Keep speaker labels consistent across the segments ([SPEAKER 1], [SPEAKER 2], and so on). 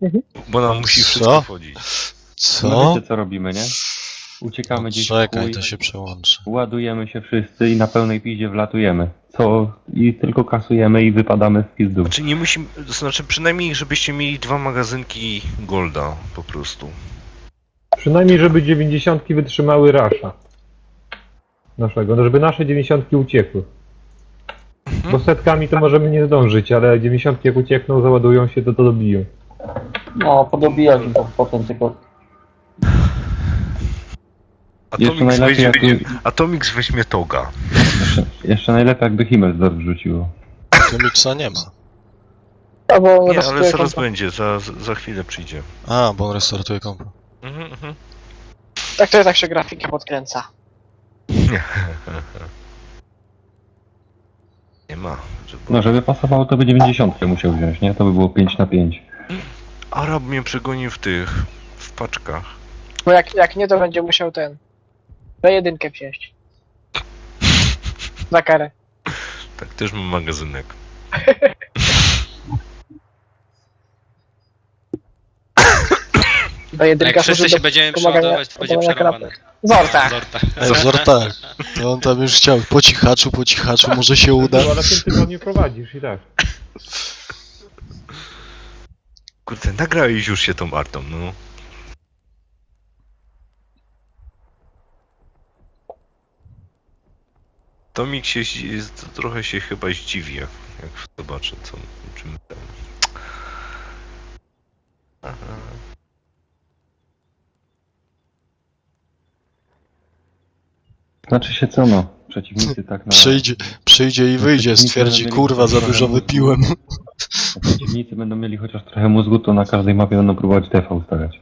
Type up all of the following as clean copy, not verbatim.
[SPEAKER 1] Bo nam musi
[SPEAKER 2] Co?
[SPEAKER 1] wszystko wchodzić.
[SPEAKER 2] Co?
[SPEAKER 3] No wiecie co robimy, nie? Uciekamy gdzieś w
[SPEAKER 2] Czekaj,
[SPEAKER 3] chuj,
[SPEAKER 2] to się przełączy.
[SPEAKER 3] ładujemy się wszyscy i na pełnej piździe wlatujemy. I tylko kasujemy i wypadamy w pizdu.
[SPEAKER 1] Znaczy nie musimy, to znaczy przynajmniej żebyście mieli 2 magazynki Golda po prostu.
[SPEAKER 4] Przynajmniej, żeby 90 wytrzymały rasza. Naszego, no żeby nasze 90 uciekły. Bo setkami to możemy nie zdążyć, ale 90 jak uciekną, załadują się, to dobiją.
[SPEAKER 5] No, podobijać im to potem tylko.
[SPEAKER 3] Jeszcze najlepiej
[SPEAKER 1] Atomix weźmie Toga.
[SPEAKER 3] Jeszcze najlepiej jakby Himmelsdorf wrzuciło.
[SPEAKER 2] Tu miksa nie ma.
[SPEAKER 6] Albo
[SPEAKER 1] Nie,
[SPEAKER 6] rozkryję
[SPEAKER 1] ale zaraz
[SPEAKER 6] konto.
[SPEAKER 1] będzie, za chwilę przyjdzie.
[SPEAKER 2] A, bo on restartuje kompo.
[SPEAKER 6] Tak to tak się grafika podkręca.
[SPEAKER 1] Nie ma.
[SPEAKER 3] No żeby pasowało, to by 90 musiał wziąć, nie? To by było 5 na 5.
[SPEAKER 1] Arab mnie przegonił w paczkach.
[SPEAKER 6] Bo jak nie, to będzie musiał B1 wziąć. Za karę.
[SPEAKER 1] Tak, też mam magazynek.
[SPEAKER 6] B1
[SPEAKER 7] Jak wszyscy się będziemy przeładować, to będzie przerwane.
[SPEAKER 6] Zorta.
[SPEAKER 7] Zorta.
[SPEAKER 2] Tak. To on tam już chciał po cichaczu, może się uda.
[SPEAKER 4] No, ale w tym tygodniu prowadzisz i tak.
[SPEAKER 1] Kurde, nagrałeś już się tą artą, no. Tomik trochę się chyba zdziwi, jak zobaczę czym ten. Aha.
[SPEAKER 3] Znaczy się co no? Przeciwnicy tak na...
[SPEAKER 2] Przyjdzie i wyjdzie, stwierdzi, kurwa, za dużo wypiłem.
[SPEAKER 3] Przeciwnicy będą mieli chociaż trochę mózgu, to na każdej mapie będą próbować TV ustawiać.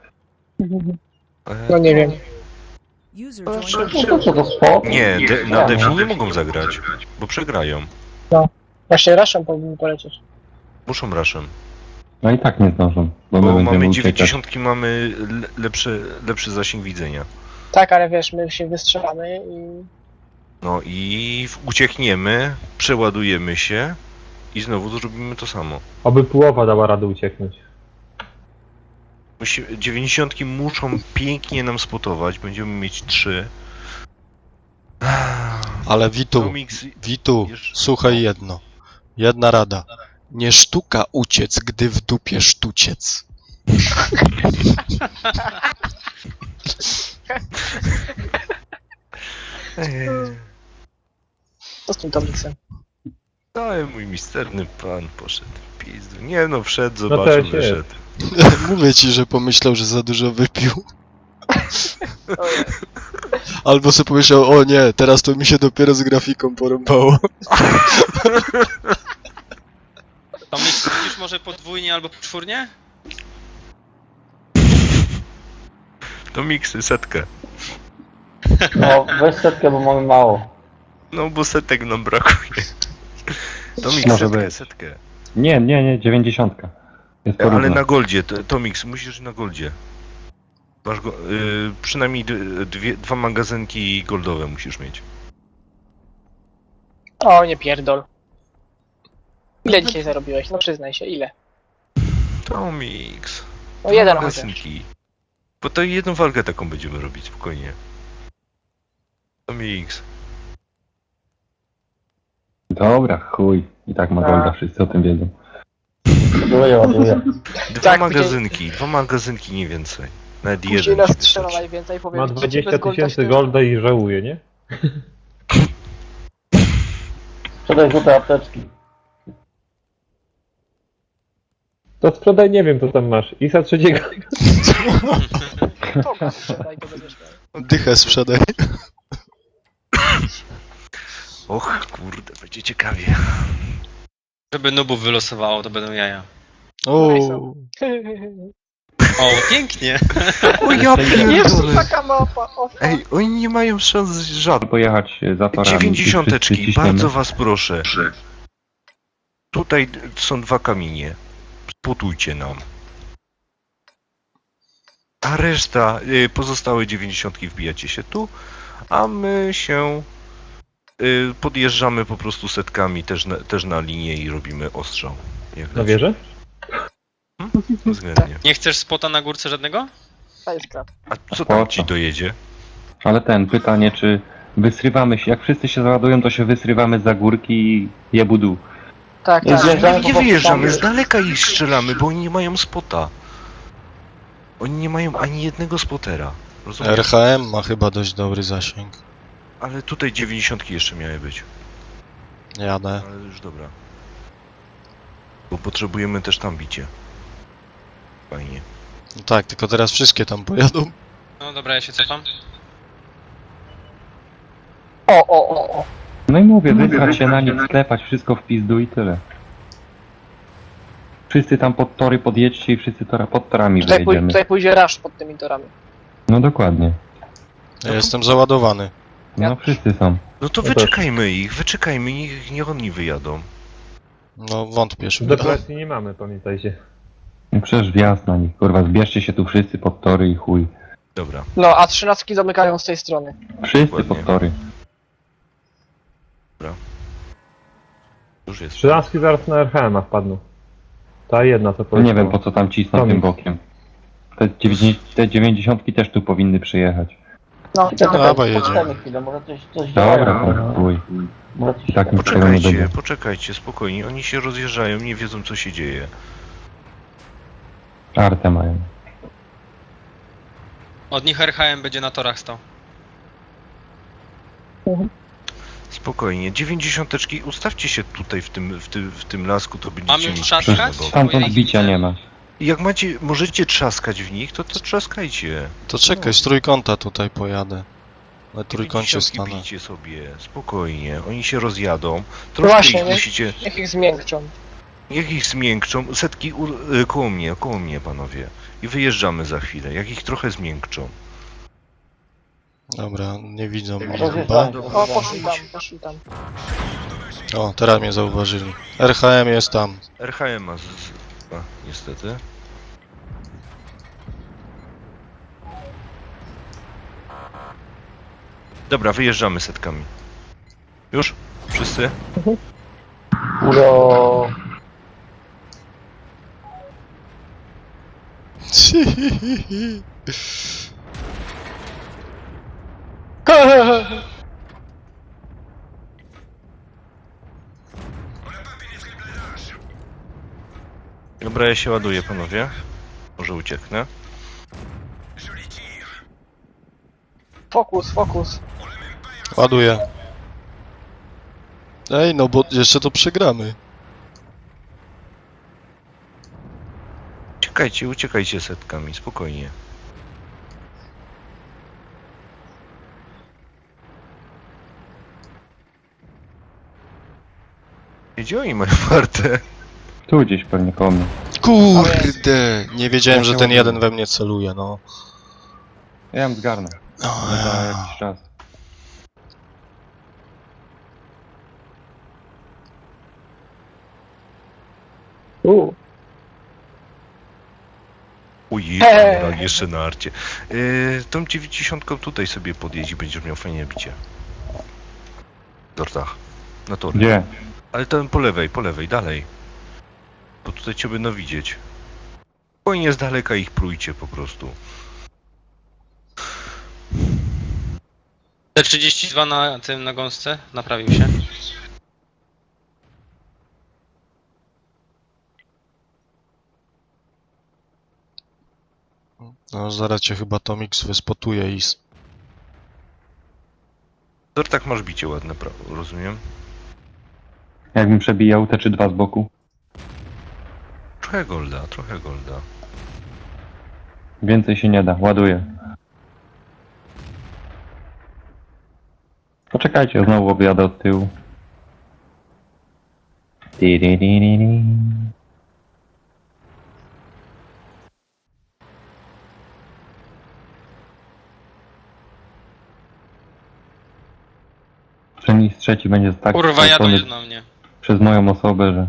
[SPEAKER 6] No nie wiem.
[SPEAKER 5] No to co, to spoko.
[SPEAKER 1] Nie, na Defi nie mogą zagrać, bo przegrają.
[SPEAKER 6] Właśnie Raszem powinien polecieć.
[SPEAKER 1] Muszą raszem.
[SPEAKER 3] No i tak nie zdążą, bo my
[SPEAKER 1] Bo
[SPEAKER 3] będziemy
[SPEAKER 1] mamy
[SPEAKER 3] uciekać.
[SPEAKER 1] 90, mamy lepszy zasięg widzenia.
[SPEAKER 6] Tak, ale wiesz, my się wystrzelamy i...
[SPEAKER 1] No i uciekniemy, przeładujemy się i znowu zrobimy to samo.
[SPEAKER 4] Oby połowa dała radę ucieknąć.
[SPEAKER 1] 90 muszą pięknie nam spotować, będziemy mieć 3.
[SPEAKER 2] Ale Witu, słuchaj jedno. Jedna rada. Nie sztuka uciec, gdy w dupie sztuciec.
[SPEAKER 6] Co z tym Tomiksem?
[SPEAKER 1] Cały mój misterny pan poszedł w pizdu. Nie no, wszedł,
[SPEAKER 4] No
[SPEAKER 1] zobaczył,
[SPEAKER 4] też jest.
[SPEAKER 1] wyszedł.
[SPEAKER 2] Mówię ci, że pomyślał, że za dużo wypił.
[SPEAKER 6] Ojej.
[SPEAKER 2] Albo sobie pomyślał, o nie, teraz to mi się dopiero z grafiką porąbało.
[SPEAKER 7] To myślisz może podwójnie albo czwórnie?
[SPEAKER 1] To miksy, setkę.
[SPEAKER 5] No, weź setkę, bo mamy mało.
[SPEAKER 1] No bo setek nam brakuje. To miks,
[SPEAKER 3] Może
[SPEAKER 1] setkę,
[SPEAKER 3] być.
[SPEAKER 1] setkę.
[SPEAKER 3] Nie, 90. Jest porówno.
[SPEAKER 1] Ale na goldzie, to miks, musisz na goldzie. Masz przynajmniej 2 magazynki goldowe musisz mieć.
[SPEAKER 6] O, nie pierdol. Ile dzisiaj zarobiłeś? No przyznaj się, ile?
[SPEAKER 1] To miks.
[SPEAKER 6] No jeden chociaż.
[SPEAKER 1] magazynki. Bo to jedną walkę taką będziemy robić, spokojnie. To miks.
[SPEAKER 3] Dobra, chuj. I tak ma golda, wszyscy o tym wiedzą.
[SPEAKER 5] Ładuję.
[SPEAKER 1] 2
[SPEAKER 6] Tak,
[SPEAKER 1] magazynki, 2 magazynki, nie więcej. Nawet
[SPEAKER 6] Później
[SPEAKER 1] jeden.
[SPEAKER 6] nas
[SPEAKER 1] ci
[SPEAKER 6] strzela
[SPEAKER 1] wystarczy.
[SPEAKER 6] najwięcej, powiem
[SPEAKER 4] Ma
[SPEAKER 6] ci,
[SPEAKER 4] 20
[SPEAKER 6] bez golda
[SPEAKER 4] tysięcy
[SPEAKER 6] się-
[SPEAKER 4] golda i żałuje, nie?
[SPEAKER 5] Sprzedaj złote apteczki.
[SPEAKER 4] To sprzedaj, nie wiem co tam masz. Isa trzeciego.
[SPEAKER 6] Toga sprzedaj, to będziesz miał.
[SPEAKER 2] Dychę sprzedaj.
[SPEAKER 1] Och, kurde, będzie ciekawie.
[SPEAKER 7] Żeby nubów wylosowało, to będą jaja.
[SPEAKER 2] O,
[SPEAKER 7] O, pięknie!
[SPEAKER 1] O ja
[SPEAKER 6] Jest
[SPEAKER 1] pierdolę.
[SPEAKER 6] taka mapa, o fuck.
[SPEAKER 1] Ej, oni nie mają szans żadnych.
[SPEAKER 3] Pojechać za torami.
[SPEAKER 1] 90,
[SPEAKER 3] wszyscy ciśniemy.
[SPEAKER 1] bardzo was proszę. Tutaj są 2 kamienie. Sputujcie nam. A reszta, pozostałe 90 wbijacie się tu, a my się podjeżdżamy po prostu setkami też na linię i robimy ostrzał. Jak
[SPEAKER 4] Na
[SPEAKER 1] leci.
[SPEAKER 4] wieżę?
[SPEAKER 1] Względnie.
[SPEAKER 7] Nie chcesz spota na górce żadnego?
[SPEAKER 6] To jest krat.
[SPEAKER 1] A co tam ci dojedzie?
[SPEAKER 3] Ale pytanie, czy wysrywamy się, jak wszyscy się załadują, to się wysrywamy za górki i jebudu.
[SPEAKER 6] Tak,
[SPEAKER 5] Nie
[SPEAKER 6] tak.
[SPEAKER 5] zjeżdżamy
[SPEAKER 1] Nie
[SPEAKER 5] po
[SPEAKER 1] wyjeżdżamy,
[SPEAKER 5] prostu.
[SPEAKER 1] z daleka ich strzelamy, bo oni nie mają spota. Oni nie mają ani jednego spotera. Rozumiesz?
[SPEAKER 2] RHM ma chyba dość dobry zasięg.
[SPEAKER 1] Ale tutaj 90 jeszcze miały być.
[SPEAKER 2] Jadę.
[SPEAKER 1] Ale już dobra. Bo potrzebujemy też tam bicie. Fajnie.
[SPEAKER 2] No tak, tylko teraz wszystkie tam pojadą.
[SPEAKER 7] No dobra, ja się cofam.
[SPEAKER 6] O.
[SPEAKER 3] No i mówię, wysrać się na nich, sklepać wszystko w pizdu i tyle. Wszyscy tam pod tory podjedźcie i wszyscy pod torami wyjedziemy.
[SPEAKER 6] Tutaj pójdzie rush pod tymi torami.
[SPEAKER 3] No dokładnie.
[SPEAKER 2] Ja jestem załadowany.
[SPEAKER 3] No wszyscy są.
[SPEAKER 1] No to
[SPEAKER 4] Ja też.
[SPEAKER 1] wyczekajmy ich, niech oni wyjadą.
[SPEAKER 2] No wątpię, że
[SPEAKER 4] Depresji nie mamy, pamiętajcie.
[SPEAKER 3] No przecież wjazd na nich, kurwa, zbierzcie się tu wszyscy pod tory i chuj.
[SPEAKER 1] Dobra.
[SPEAKER 6] No, a 13 zamykają z tej strony.
[SPEAKER 3] Wszyscy
[SPEAKER 1] Dokładnie.
[SPEAKER 3] pod tory.
[SPEAKER 1] Już jest.
[SPEAKER 4] 13 zaraz na RHM wpadną. Ta jedna co
[SPEAKER 3] No
[SPEAKER 4] powiedziała.
[SPEAKER 3] nie wiem po co tam cisną
[SPEAKER 4] Tomik.
[SPEAKER 3] tym bokiem. Te 90 też tu powinny przyjechać.
[SPEAKER 6] No,
[SPEAKER 2] Dawaj, jedziemy.
[SPEAKER 5] Poczekajmy chwilę, może coś
[SPEAKER 3] Dobra,
[SPEAKER 5] działają.
[SPEAKER 3] chuj.
[SPEAKER 5] Może coś
[SPEAKER 3] I tak nic z tego nie będzie.
[SPEAKER 1] Poczekajcie, spokojnie. Oni się rozjeżdżają, nie wiedzą co się dzieje.
[SPEAKER 3] Artę mają.
[SPEAKER 7] Od nich RHM będzie na torach stał.
[SPEAKER 1] Spokojnie. 90 ustawcie się tutaj w tym lasku, to będziecie
[SPEAKER 7] Mam już
[SPEAKER 1] mieć
[SPEAKER 7] trzaskać?
[SPEAKER 1] przyjemne boki.
[SPEAKER 3] Stamtąd bicia nie ma.
[SPEAKER 1] I jak możecie trzaskać w nich, to trzaskajcie.
[SPEAKER 2] To czekaj, z trójkąta tutaj pojadę. Na trójkącie
[SPEAKER 1] 90
[SPEAKER 2] stanę.
[SPEAKER 1] bijcie sobie, spokojnie. Oni się rozjadą. Troszkę
[SPEAKER 6] Właśnie,
[SPEAKER 1] ich
[SPEAKER 6] nie?
[SPEAKER 1] musicie...
[SPEAKER 6] Niech ich zmiękczą.
[SPEAKER 1] Niech ich zmiękczą. Setki koło mnie, panowie. I wyjeżdżamy za chwilę. Jak ich trochę zmiękczą.
[SPEAKER 2] Dobra, nie widzą mnie chyba.
[SPEAKER 5] Rozjeżdżają.
[SPEAKER 6] O, poszli tam.
[SPEAKER 2] O, teraz mnie zauważyli. RHM jest tam.
[SPEAKER 1] RHM ma niestety. Dobra, wyjeżdżamy setkami. Już? Wszyscy?
[SPEAKER 5] Uro.
[SPEAKER 1] Dobra, ja się ładuję, panowie. Może ucieknę.
[SPEAKER 6] Fokus.
[SPEAKER 2] Ładuję. Ej, no bo jeszcze to przegramy.
[SPEAKER 1] Uciekajcie setkami, spokojnie. Gdzie oni mają wartę?
[SPEAKER 3] Tu gdzieś pewnie koło mnie.
[SPEAKER 2] Kurde! Nie wiedziałem,
[SPEAKER 3] Ja
[SPEAKER 2] że
[SPEAKER 3] się
[SPEAKER 2] ten
[SPEAKER 3] ładuję.
[SPEAKER 2] jeden we mnie celuje, no.
[SPEAKER 3] Ja ją zgarnę. Ale za jakiś czas.
[SPEAKER 1] Ujej, jeszcze na arcie. Tą 90 tutaj sobie podjedź i będziesz miał fajnie bicie. W tortach. Na tory.
[SPEAKER 3] Gdzie?
[SPEAKER 1] Ale tam po lewej, dalej. Bo tutaj cię będą widzieć. Spokojnie z daleka ich prójcie po prostu.
[SPEAKER 7] T32 na tym, na gąsce, naprawił się.
[SPEAKER 2] No, zaraz cię chyba Tomix wyspotuje i...
[SPEAKER 1] W tortach masz bicie ładne, rozumiem?
[SPEAKER 3] Jakbym przebijał te czy dwa z boku.
[SPEAKER 1] Trochę golda.
[SPEAKER 3] Więcej się nie da, ładuję. Poczekajcie, znowu objadę od tyłu. Tiririri. Przynajmniej z trzeci będzie tak
[SPEAKER 7] Kurwa, jadą
[SPEAKER 3] spocony
[SPEAKER 7] na mnie.
[SPEAKER 3] przez moją osobę, że...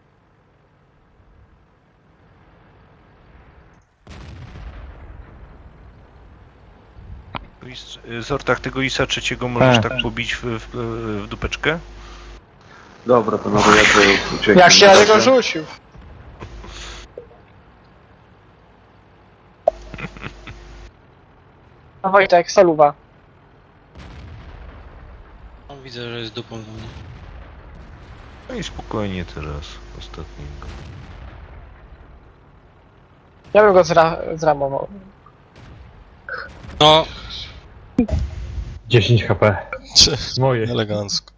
[SPEAKER 1] W sortach tego ISA trzeciego możesz
[SPEAKER 3] Tak.
[SPEAKER 1] tak pobić w dupeczkę?
[SPEAKER 8] Dobra, to nawet ja to uciekam.
[SPEAKER 6] Jak się na niego rzucił. A Wojtek, soluwa.
[SPEAKER 7] No, widzę, że jest dupą do mnie.
[SPEAKER 1] No i spokojnie teraz, ostatniego.
[SPEAKER 6] Ja bym go zramował.
[SPEAKER 7] No,
[SPEAKER 4] 10 HP. Moje.
[SPEAKER 2] Elegancko.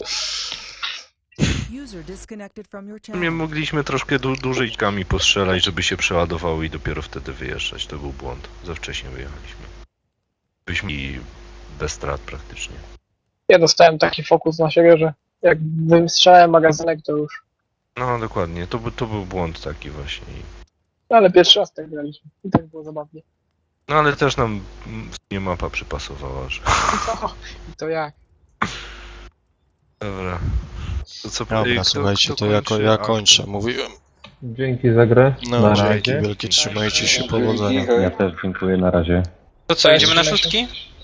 [SPEAKER 8] User disconnected from your
[SPEAKER 1] Nie
[SPEAKER 8] channel.
[SPEAKER 1] mogliśmy troszkę dłużej kami postrzelać, żeby się przeładowały i dopiero wtedy wyjeżdżać. To był błąd. Za wcześnie wyjechaliśmy. Byliśmy i bez strat praktycznie.
[SPEAKER 6] Ja dostałem taki fokus na siebie, że jak wystrzelałem magazynek, to już.
[SPEAKER 1] No dokładnie, to był błąd taki właśnie.
[SPEAKER 6] Ale pierwszy raz tak graliśmy. I tak było zabawnie.
[SPEAKER 1] No ale też nam nie mapa przypasowała, że...
[SPEAKER 6] I to jak?
[SPEAKER 1] Dobra. To co
[SPEAKER 2] Dobra, słuchajcie, to ja kończę, mówiłem.
[SPEAKER 4] Dzięki za grę.
[SPEAKER 2] No,
[SPEAKER 4] Na
[SPEAKER 2] dzięki
[SPEAKER 4] razie.
[SPEAKER 2] wielkie, trzymajcie się, powodzenia.
[SPEAKER 3] Ja też dziękuję, na razie.
[SPEAKER 7] to co, idziemy na szóstki?